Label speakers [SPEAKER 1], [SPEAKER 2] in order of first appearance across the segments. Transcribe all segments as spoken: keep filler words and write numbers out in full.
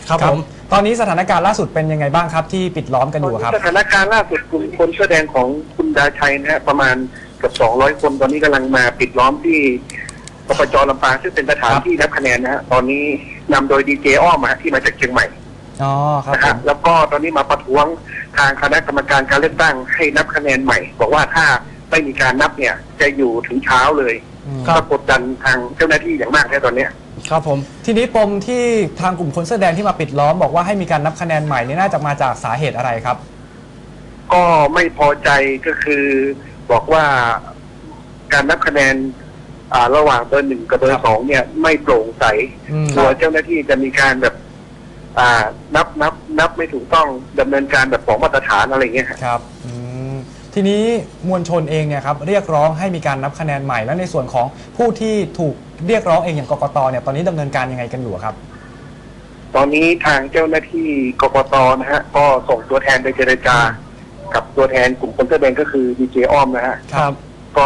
[SPEAKER 1] ครับผม
[SPEAKER 2] ตอนนี้สถานการณ์ล่าสุดเป็นยังไงบ้างครับที่ปิดล้อมกันอยู่ครับ
[SPEAKER 3] สถานการณ์ล่าสุดกลุ่มคนเสื้อแดงของคุณดาชัยนะฮะประมาณเกือบสองร้อยคนตอนนี้กำลังมาปิดล้อมที่ปปจ.ลำปางซึ่งเป็นสถานที่นับคะแนนนะฮะตอนนี้นำโดยดีเจอ้อมมาที่มาจากเชียงใหม่
[SPEAKER 2] อ๋อครับ
[SPEAKER 3] นะฮะแล้วก็ตอนนี้มาประท้วงทางคณะกรรมการการเลือกตั้งให้นับคะแนนใหม่บอกว่าถ้าไม่มีการนับเนี่ยจะอยู่ถึงเช้าเลยก็กดดันทางเจ้าหน้าที่อย่างมากในตอนนี้
[SPEAKER 2] ครับผมทีนี้ปมที่ทางกลุ่มคนเสื้อแดงที่มาปิดล้อมบอกว่าให้มีการนับคะแนนใหม่นี่น่าจะมาจากสาเหตุอะไรครับ
[SPEAKER 3] ก็ไม่พอใจก็คือบอกว่าการนับคะแนนระหว่างเบอร์หนึ่งกับเบอร์สองเนี่ยไม่โปร่งใสตัวเจ้าหน้าที่จะมีการแบบนับนับนับไม่ถูกต้องดำเนินการแบบของมาตรฐานอะไรเงี้ย
[SPEAKER 2] ครับทีนี้มวลชนเองเนี่ยครับเรียกร้องให้มีการนับคะแนนใหม่และในส่วนของผู้ที่ถูกเรียกร้องเองอย่างกกตเนี่ยตอนนี้ดำเนินการยังไงกันอยู่ครับ
[SPEAKER 3] ตอนนี้ทางเจ้าหน้าที่กกตนะฮะก็ส่งตัวแทนไปเจรจากับตัวแทนกลุ่มคนเสื้อแดงก็คือดีเจอ้อมนะฮะ
[SPEAKER 2] ครับ
[SPEAKER 3] ก็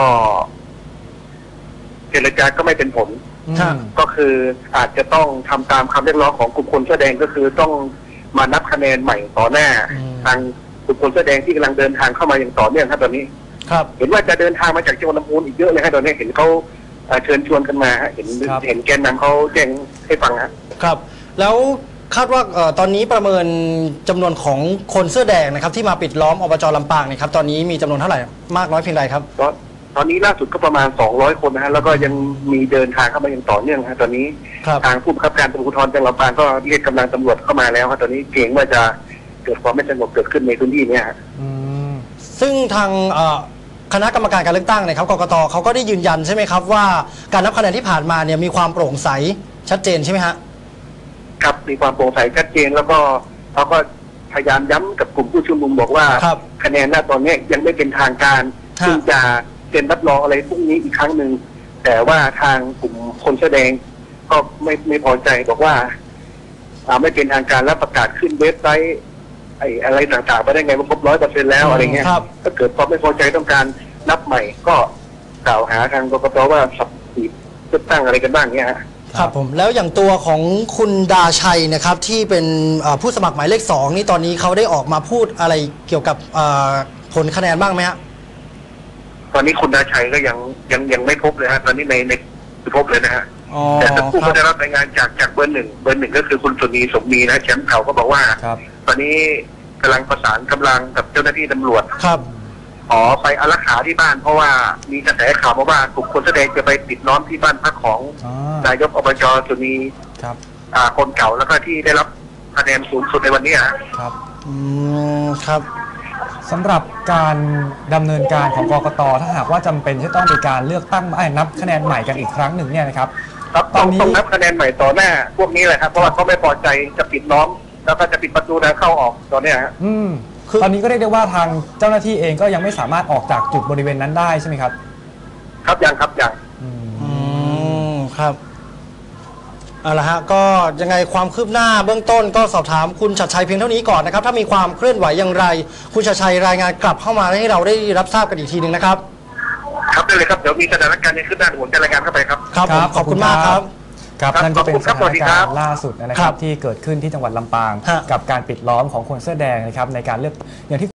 [SPEAKER 3] เจรจาก็ไม่เป็นผลก็คืออาจจะต้องทำตามคำเรียกร้องของกลุ่มคนเสื้อแดงก็คือต้องมานับคะแนนใหม่ต่อหน้าทางกลุ่มคนเสื้อแดงที่กำลังเดินทางเข้ามาอย่างต่อเนื่องครับตอนนี้
[SPEAKER 2] ครับ
[SPEAKER 3] เห็นว่าจะเดินทางมาจากจังหวัดลำพูนอีกเยอะเลยครับตอนนี้เห็นเขาเชิญชวนกันมาเห็นเห็นแกนนำเขาแจ้งให้ฟังครับ
[SPEAKER 1] ครับแล้วคาดว่าตอนนี้ประเมินจำนวนของคนเสื้อแดงนะครับที่มาปิดล้อมอบจ.ลำปางเนี่ยครับตอนนี้มีจำนวนเท่าไหร่มากน้อยเพียงใดครับ
[SPEAKER 3] ตอนนี้ล่าสุดก็ประมาณสองร้อยคนนะฮะแล้วก็ยังมีเดินทางเข้ามาอย่างต่อเนื่องฮะตอนนี้ทางผู้บังคับการตำรวจภูธรจังหวัดลำปางก็เรียกกำลังตำรวจเข้ามาแล้วครับตอนนี้เกรงว่าจะเกิดความไม่สงบเกิดขึ้นในพื้นที่นี้ฮะ
[SPEAKER 1] ซึ่งทางคณะกรรมการการเลือกตั้งนะครับกกตเขาก็ได้ยืนยันใช่ไหมครับว่าการนับคะแนนที่ผ่านมาเนี่ยมีความโปร่งใสชัดเจนใช่ไหมฮะ
[SPEAKER 3] ครับมีความโปร่งใสชัดเจนแล้วก็เขาก็พยายามย้ำกับกลุ่มผู้ชุมนุมบอกว่าคะแนนณตอนนี้ยังไม่เป็นทางการซึ่งจะเซ็นรับรองอะไรพรุ่งนี้อีกครั้งหนึ่งแต่ว่าทางกลุ่มคนแสดงก็ไม่ไม่พอใจบอกว่าไม่เป็นทางการและประกาศขึ้นเว็บไซต์ไอ้อะไรต่างๆไปได้ไงว่าครบร้อยเปอร์เซ็นต์แล้วอะไรเงี้ยถ้าเกิดความไม่พอใจต้องการนับใหม่ก็กล่าวหาทางกกตว่าสับสีเลือกตั้งอะไรกันบ้างเงี้ย
[SPEAKER 1] ครับผมแล้วอย่างตัวของคุณดาชัยนะครับที่เป็นผู้สมัครหมายเลขสองนี่ตอนนี้เขาได้ออกมาพูดอะไรเกี่ยวกับผลคะแนนบ้างไหมฮะ
[SPEAKER 3] ตอนนี้คุณดาชัยก็ยังยังยังไม่พบเลยฮะตอนนี้ในในไม่พบเลยนะฮะแต่ผู้ก็ได้รับรายงานจากจากเบอร์หนึ่งเบอร์หนึ่งก็คือคุณสุนีสมมีนะแชมป์เก่าก็บอกว่าตอนนี้กำลังประสานกำลังกับเจ้าหน้าที่ตำรวจ
[SPEAKER 1] ครับ
[SPEAKER 3] ขอไปอารักขาที่บ้านเพราะว่ามีกระแสข่าวมาว่ากลุ่มคนแสดงจะไปปิดล้อมที่บ้านพักของนายกอบจ.สุนีคนเก่าแล้วก็ที่ได้รับคะแนนสูงสุดในวันนี้
[SPEAKER 2] ครับ
[SPEAKER 1] อืมครับ
[SPEAKER 2] สำหรับการดำเนินการของกกต.ถ้าหากว่าจำเป็นที่ต้องมีการเลือกตั้งนับคะแนนใหม่กันอีกครั้งหนึ่งเนี่ยนะครับ
[SPEAKER 3] ตอนนี้ต้องนับคะแนนใหม่ต่อหน้าพวกนี้แหละครับเพราะว่าเขาไม่พอใจจะปิดล้อมแล้วก็จะปิดประตูทางเข้าออกตอนนี้ฮะ
[SPEAKER 2] อืมตอนนี้ก็เรียกได้ว่าทางเจ้าหน้าที่เองก็ยังไม่สามารถออกจากจุดบริเวณนั้นได้ใช่ไหมครับ
[SPEAKER 3] ครับยังครับยัง
[SPEAKER 1] อืมครับเอาละฮะก็ยังไงความคืบหน้าเบื้องต้นก็สอบถามคุณชัดชัยเพียงเท่านี้ก่อนนะครับถ้ามีความเคลื่อนไหวอย่างไรคุณชัดชัยรายงานกลับเข้ามาให้เราได้รับทราบกันอีกทีหนึ่งนะครับ
[SPEAKER 3] ครับได้เลยครับเดี๋ยวมีสถานการณ์ในขึ้นหน้าผมจะรายงานเข้าไปครับ
[SPEAKER 1] ครับขอบคุณมากครับ
[SPEAKER 2] ครับนั่นก็เป็นสถานการณ์ล่าสุดนะครับที่เกิดขึ้นที่จังหวัดลำปางกับการปิดล้อมของคนเสื้อแดงนะครับในการเลือกอย่างที่